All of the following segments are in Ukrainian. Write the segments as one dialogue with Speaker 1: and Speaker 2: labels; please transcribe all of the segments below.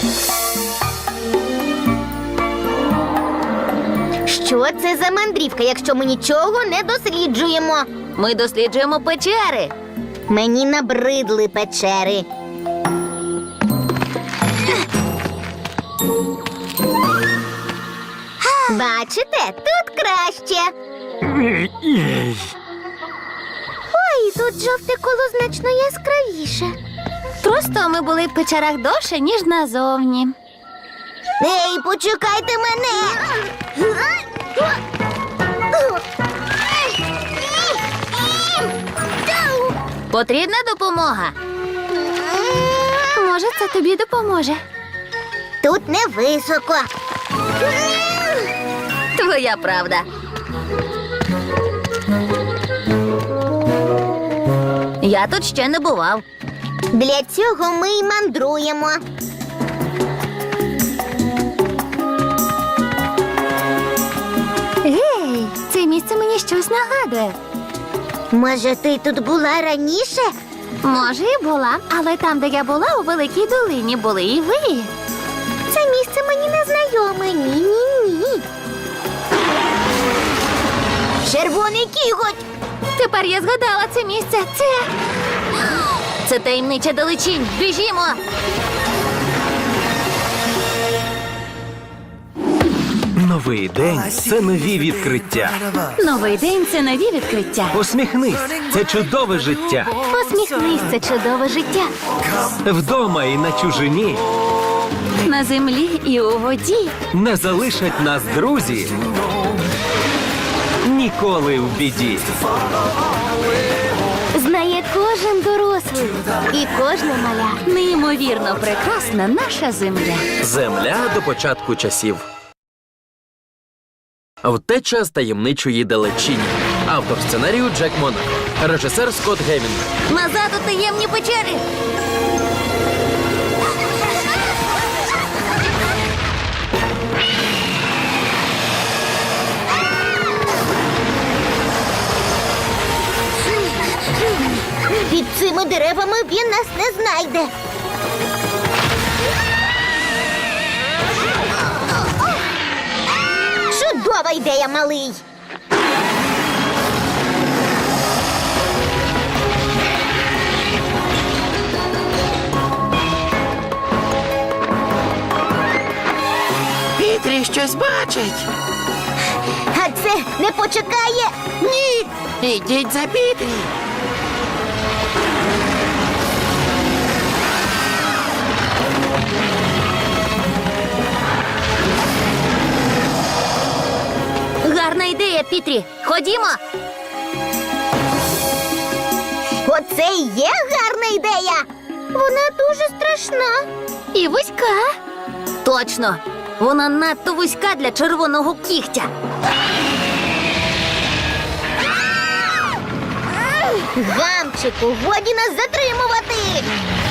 Speaker 1: Що це за мандрівка, якщо ми нічого не досліджуємо?
Speaker 2: Ми досліджуємо печери.
Speaker 1: Мені набридли печери. Бачите, тут краще. Ой, тут жовте коло значно яскравіше.
Speaker 2: Просто ми були в печерах довше, ніж назовні.
Speaker 1: Ей, почекайте мене!
Speaker 2: Потрібна допомога. Може, це тобі допоможе.
Speaker 1: Тут не високо.
Speaker 2: Твоя правда. Я тут ще не бував.
Speaker 1: Для цього ми й мандруємо.
Speaker 2: Гей, це місце мені щось нагадує.
Speaker 1: Може, ти тут була раніше?
Speaker 2: Може, і була, але там, де я була, у Великій долині, були і ви.
Speaker 1: Це місце мені не знайоме. Ні-ні-ні. Червоний кіготь!
Speaker 2: Тепер я згадала це місце. Це таємнича далечінь. Біжімо!
Speaker 3: Новий день – це нові відкриття.
Speaker 2: Новий день – це нові відкриття.
Speaker 3: Посміхнись – це чудове життя.
Speaker 2: Посміхнись – це чудове життя.
Speaker 3: Вдома і на чужині
Speaker 2: На землі і у воді.
Speaker 3: не залишать нас друзі. Ніколи в біді.
Speaker 2: Знає кожен дорослий і кожна маля. Неймовірно прекрасна наша земля.
Speaker 4: Земля до початку часів. Втеча з таємничої далечині. Автор сценарію Джек Монако. Режисер Скотт Гевінг.
Speaker 2: Назад у таємні печери.
Speaker 1: Під цими деревами він нас не знайде. Чудова ідея, малий.
Speaker 5: Пітрі щось бачить.
Speaker 1: А це не почекає.
Speaker 5: Ні, ідіть за Пітрі.
Speaker 2: Гарна ідея, Пітрі. Ходімо.
Speaker 1: Оце і є гарна ідея. Вона дуже страшна.
Speaker 2: І вузька. Точно. Вона надто вузька для червоного кігтя.
Speaker 1: Гамчику, годі нас затримувати.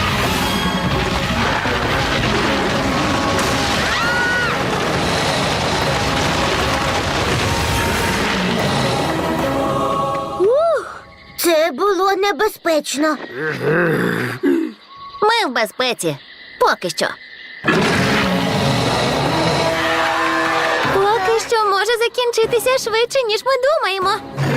Speaker 1: Це було небезпечно.
Speaker 2: Ми в безпеці. Поки що. Поки що може закінчитися швидше, ніж ми думаємо.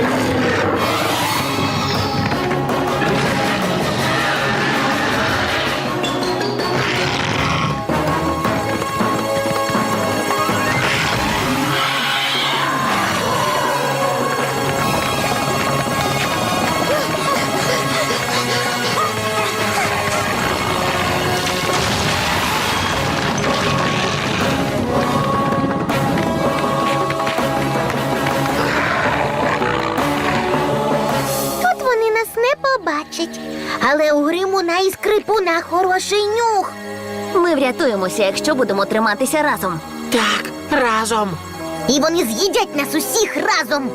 Speaker 1: Тут вони нас не побачать. Але у Гримуна і Скрипуна хороший нюх.
Speaker 2: Ми врятуємося, якщо будемо триматися разом.
Speaker 5: Так, разом.
Speaker 1: І вони з'їдять нас усіх разом.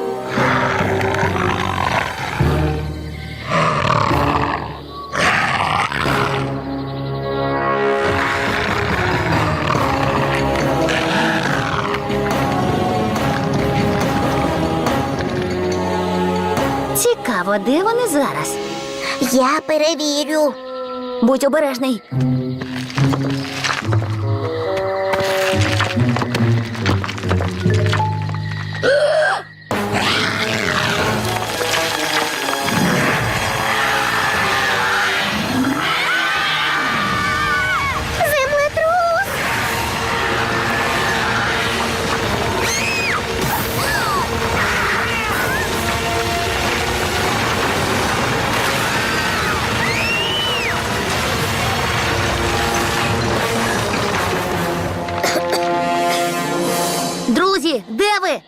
Speaker 2: Цікаво, де вони зараз?
Speaker 1: Я перевірю.
Speaker 2: Будь обережний. Дакі, де ви?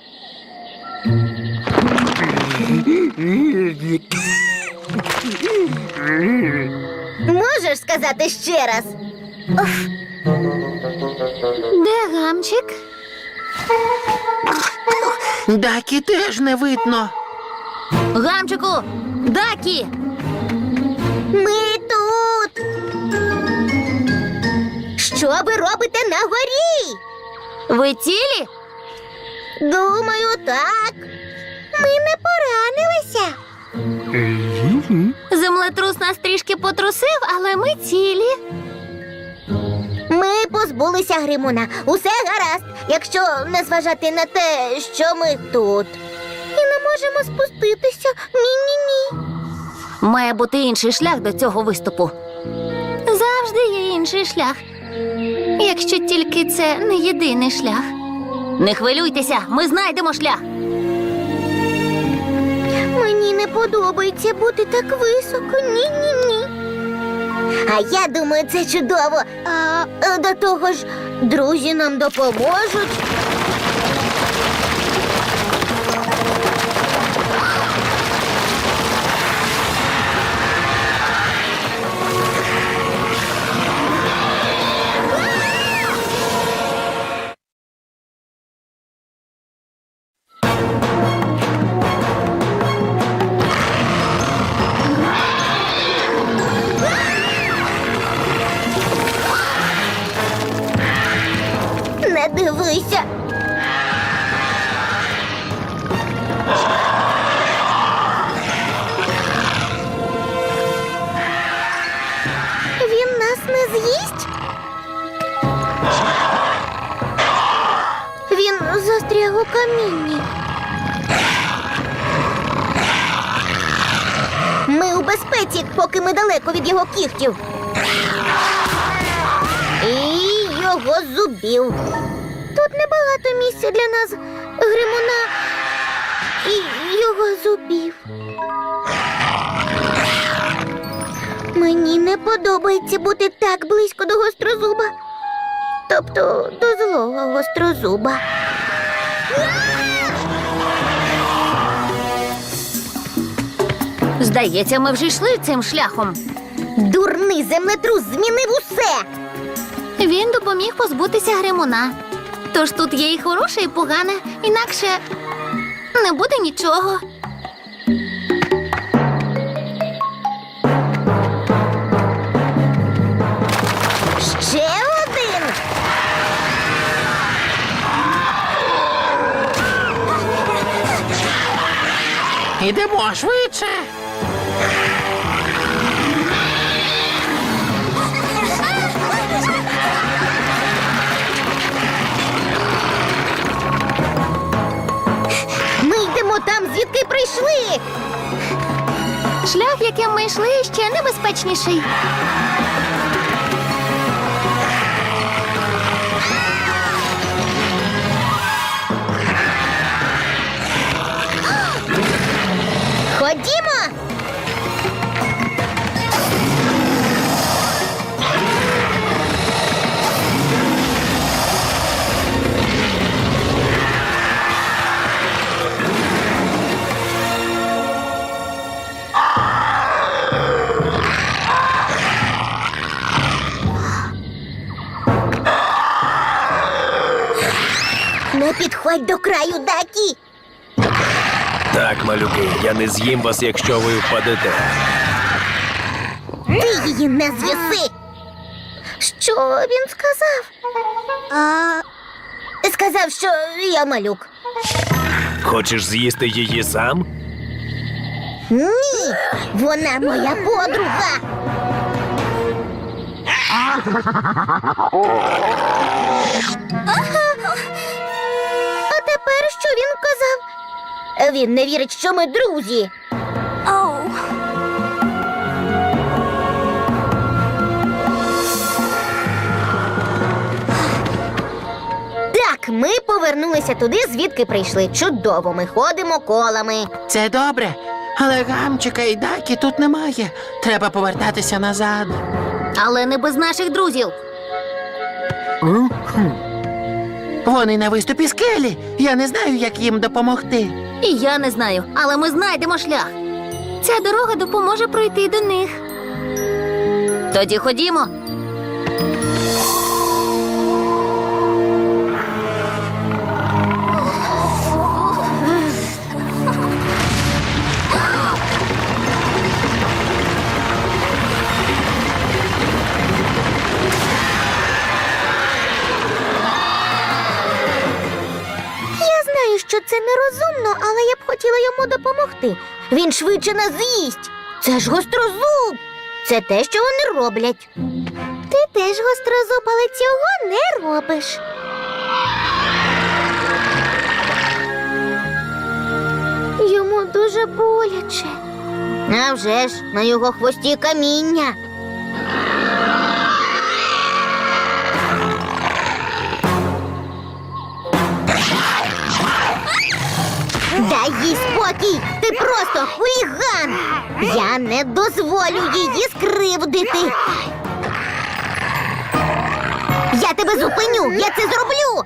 Speaker 1: Можеш сказати ще раз?
Speaker 2: Де гамчик?
Speaker 5: Дакі теж не видно.
Speaker 2: Гамчику! Дакі!
Speaker 1: Ми тут. Що ви робите на горі?
Speaker 2: Ви цілі?
Speaker 1: Думаю, так. Ми не поранилися.
Speaker 2: Землетрус нас трішки потрусив, але ми цілі.
Speaker 1: Ми позбулися Гримуна. Усе гаразд, якщо не зважати на те, що ми тут. І не можемо спуститися. Ні-ні-ні.
Speaker 2: Має бути інший шлях до цього виступу. Завжди є інший шлях. Якщо тільки це не єдиний шлях. Не хвилюйтеся, ми знайдемо шлях.
Speaker 1: Мені не подобається бути так високо. Ні-ні-ні. А я думаю, це чудово. До того ж, друзі нам допоможуть. Не дивися. Він нас не з'їсть? Він застряг у камінні. Ми у безпеці, поки ми далеко від його кігтів. І його зубів. Тут небагато місця для нас, Гримуна і його зубів. Мені не подобається бути так близько до гострозуба. Тобто до злого гострозуба.
Speaker 2: Здається, ми вже йшли цим шляхом.
Speaker 1: Дурний землетрус змінив усе.
Speaker 2: Він допоміг позбутися Гримуна. Тож тут є і хороше, і погане, інакше не буде нічого.
Speaker 1: Ще один.
Speaker 5: Ідемо швидше.
Speaker 1: Ми йдемо там, звідки прийшли.
Speaker 2: Шлях, яким ми йшли, ще небезпечніший.
Speaker 1: Ходімо. Не підходь до краю, Дакі.
Speaker 3: Так, малюки, я не з'їм вас, якщо ви впадете.
Speaker 1: Ти її не звіси. Що він сказав? Сказав, що я малюк.
Speaker 3: Хочеш з'їсти її сам?
Speaker 1: Ні, вона моя подруга. А тепер що він казав? Він не вірить, що ми друзі. Так, ми повернулися туди, звідки прийшли. Чудово, ми ходимо колами.
Speaker 5: Це добре, але гамчика і Дакі тут немає. Треба повертатися назад.
Speaker 2: Але не без наших друзів.
Speaker 5: Вони на виступі скелі. Я не знаю, як їм допомогти.
Speaker 2: І я не знаю, але ми знайдемо шлях. Ця дорога допоможе пройти до них. Тоді ходімо.
Speaker 1: Я знаю, що це нерозумно, але я б хотіла йому допомогти. Він швидше нас з'їсть. Це ж гострозуб. Це те, що вони роблять. Ти теж гострозуб, але цього не робиш. Йому дуже боляче. А вже ж, на його хвості каміння. Дай їй спокій! Ти просто хуліган! Я не дозволю її скривдити! Я тебе зупиню! Я це зроблю!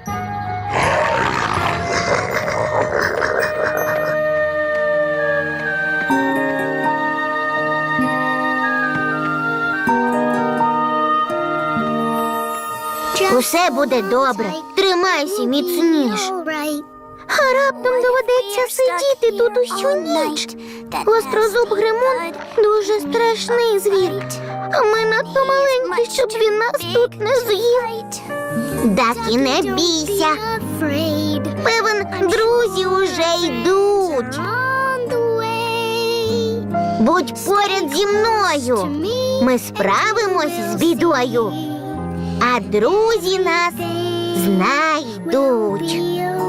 Speaker 1: Усе буде добре. Тримайся міцніш. А раптом доведеться сидіти тут усю ніч. Гострозуб Гримун дуже страшний звір. А ми надто маленькі, щоб він нас тут не з'їв. Дакі, не бійся. Певен, друзі уже йдуть. Будь поряд зі мною. Ми справимось з бідою. А друзі нас знайдуть.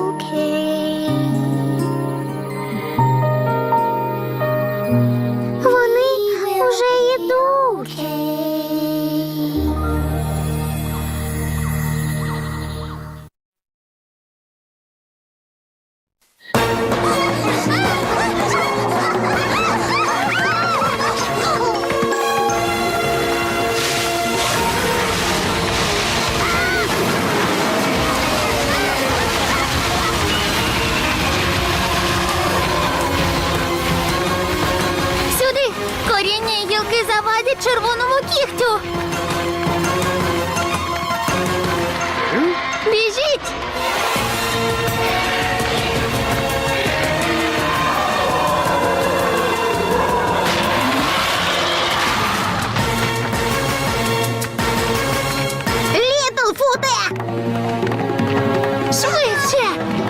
Speaker 1: Вони вже йдуть.
Speaker 2: Сюди! Коріння і гілки завадять червоному кігтю. Біжіть!
Speaker 1: Літлфуте!
Speaker 2: Швидше!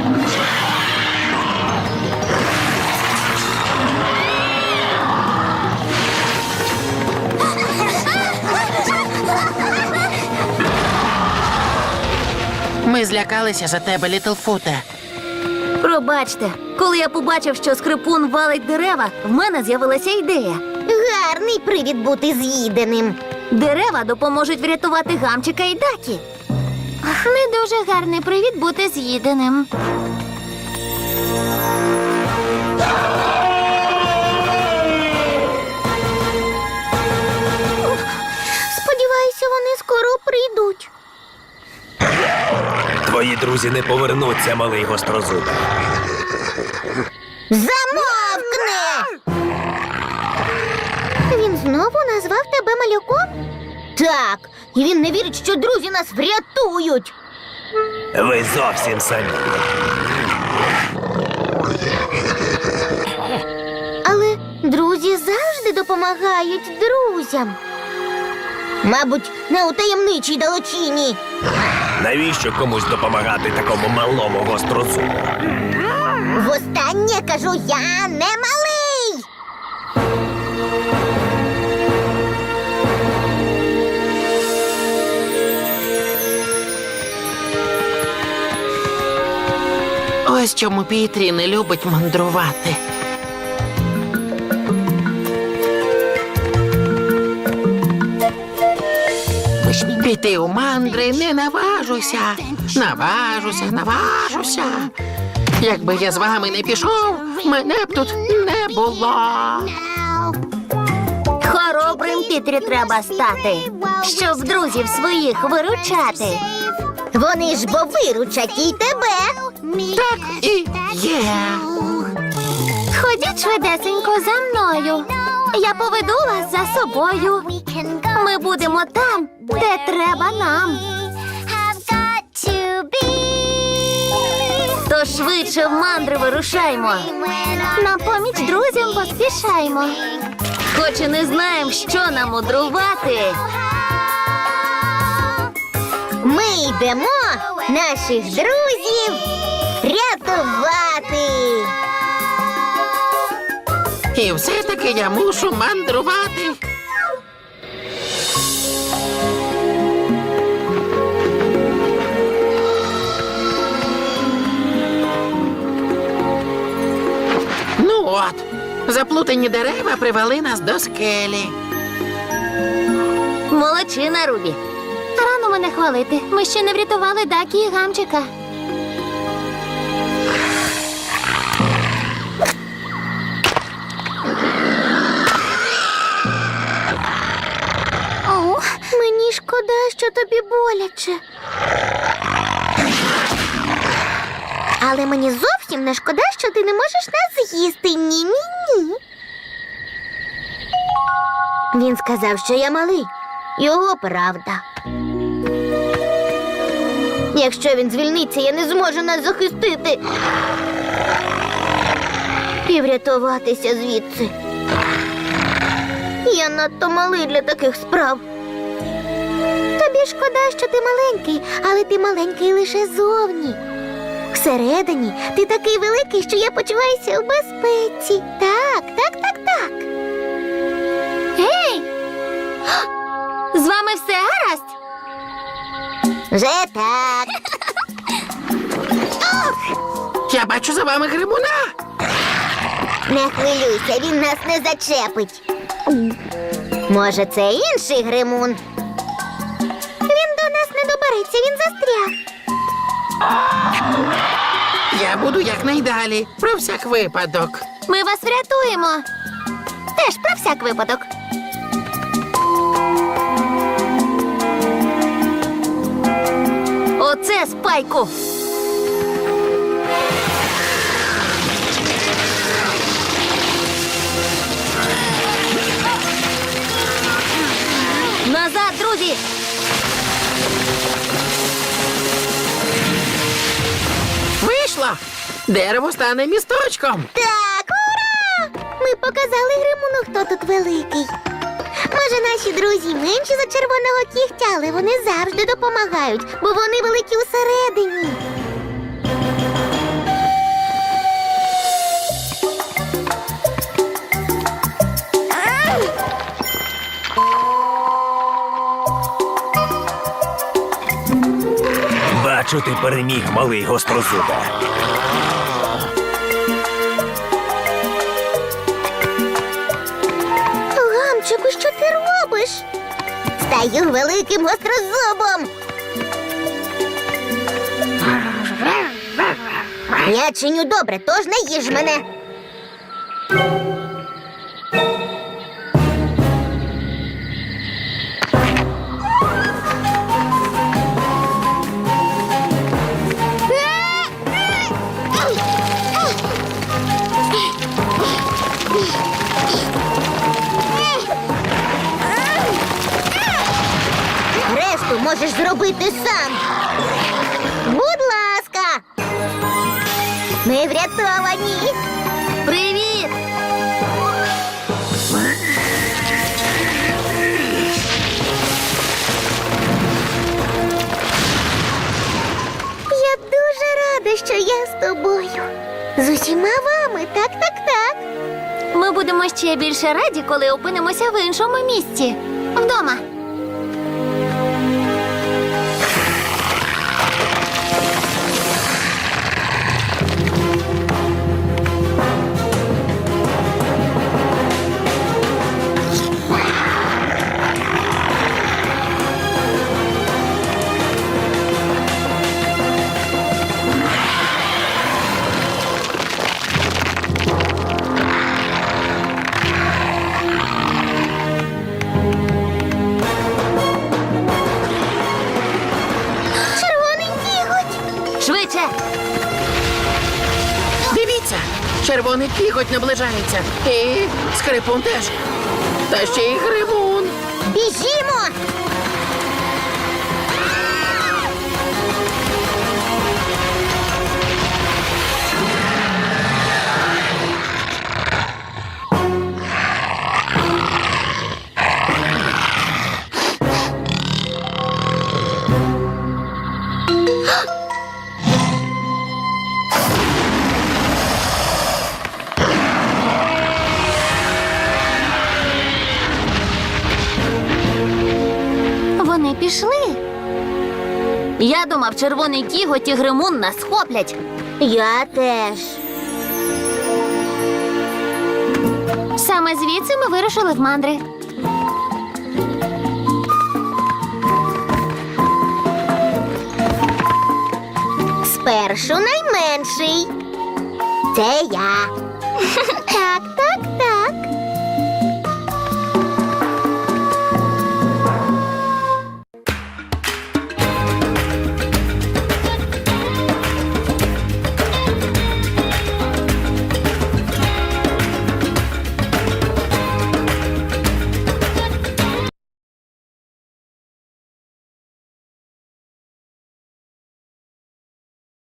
Speaker 5: Ми злякалися за тебе, Літлфуте.
Speaker 2: Пробачте, коли я побачив, що скрипун валить дерева, в мене з'явилася ідея.
Speaker 1: Гарний привід бути з'їденим.
Speaker 2: Дерева допоможуть врятувати Гамчика і Дакі. Не дуже гарний привід бути з'їденим.
Speaker 1: Сподіваюся, вони скоро прийдуть.
Speaker 3: Твої друзі не повернуться, малий гострозуб.
Speaker 1: Замовкни! Він знову назвав тебе малюком? Так, і він не вірить, що друзі нас врятують.
Speaker 3: Ви зовсім самі.
Speaker 1: Але друзі завжди допомагають друзям. Мабуть, не у таємничій далечині.
Speaker 3: Навіщо комусь допомагати такому малому гострозубу?
Speaker 1: Востаннє кажу, я не малий.
Speaker 5: Ось чому Пітрі не любить мандрувати. Піти у мандри не наважуся. Наважуся. Якби я з вами не пішов, мене б тут не було.
Speaker 2: Хоробрим Пітрі треба стати, щоб друзів своїх виручати.
Speaker 1: Вони ж бо виручать і тебе.
Speaker 5: Так і є.
Speaker 2: Ходіть швидесенько за мною. Я поведу вас за собою. Ми будемо там, де треба нам. То швидше в мандри вирушаймо. На поміч друзям поспішаймо. Хоч і не знаємо, що нам мудрувати.
Speaker 1: Ми йдемо наших друзів рятувати.
Speaker 5: І все-таки я мушу мандрувати. Ну от, заплутані дерева привели нас до скелі.
Speaker 2: Молодчина, Рубі. Рано мене хвалити. Ми ще не врятували Дакі і Гамчика.
Speaker 1: Мені шкода, що тобі боляче. Але мені зовсім не шкода, що ти не можеш нас з'їсти. Ні-ні-ні. Він сказав, що я малий. Його правда. Якщо він звільниться, я не зможу нас захистити. І врятуватися звідси. Я надто малий для таких справ. Тобі шкода, що ти маленький, але ти маленький лише зовні. Всередині ти такий великий, що я почуваюся у безпеці. Так.
Speaker 2: Гей! З вами все гаразд?
Speaker 1: Вже так.
Speaker 5: Я бачу за вами гримуна.
Speaker 1: Не хвилюйся, він нас не зачепить. Може, це інший гримун? Він до нас не добереться, він застряг.
Speaker 5: Я буду якнайдалі, про всяк випадок.
Speaker 2: Ми вас врятуємо. Теж про всяк випадок. Оце Спайку. Назад, друзі!
Speaker 5: Вийшло! Дерево стане місточком.
Speaker 1: Так, ура! Ми показали гримуну, хто тут великий. Може, наші друзі менші за червоного кігтя, але вони завжди допомагають, бо вони великі усередині.
Speaker 3: Бачу, ти переміг, малий гострозубе.
Speaker 1: Гамчику, що ти робиш? Стаю великим гострозубом. Я чиню добре, тож не їж мене. Решту можеш зробити сам. Будь ласка. Ми врятовані.
Speaker 2: Привіт!
Speaker 1: Я дуже рада, що я з тобою. З усіма вами, так.
Speaker 2: Ми будемо ще більше раді, коли опинимося в іншому місці. Вдома.
Speaker 5: Червоний кіготь наближається. І скрипун теж. Та ще й гримун.
Speaker 1: Біжімо!
Speaker 2: Вони пішли. Я думав, червоний кіготь і гримун нас схоплять.
Speaker 1: Я теж.
Speaker 2: Саме звідси ми вирушили в мандри.
Speaker 1: Спершу найменший. Це я. Так, так,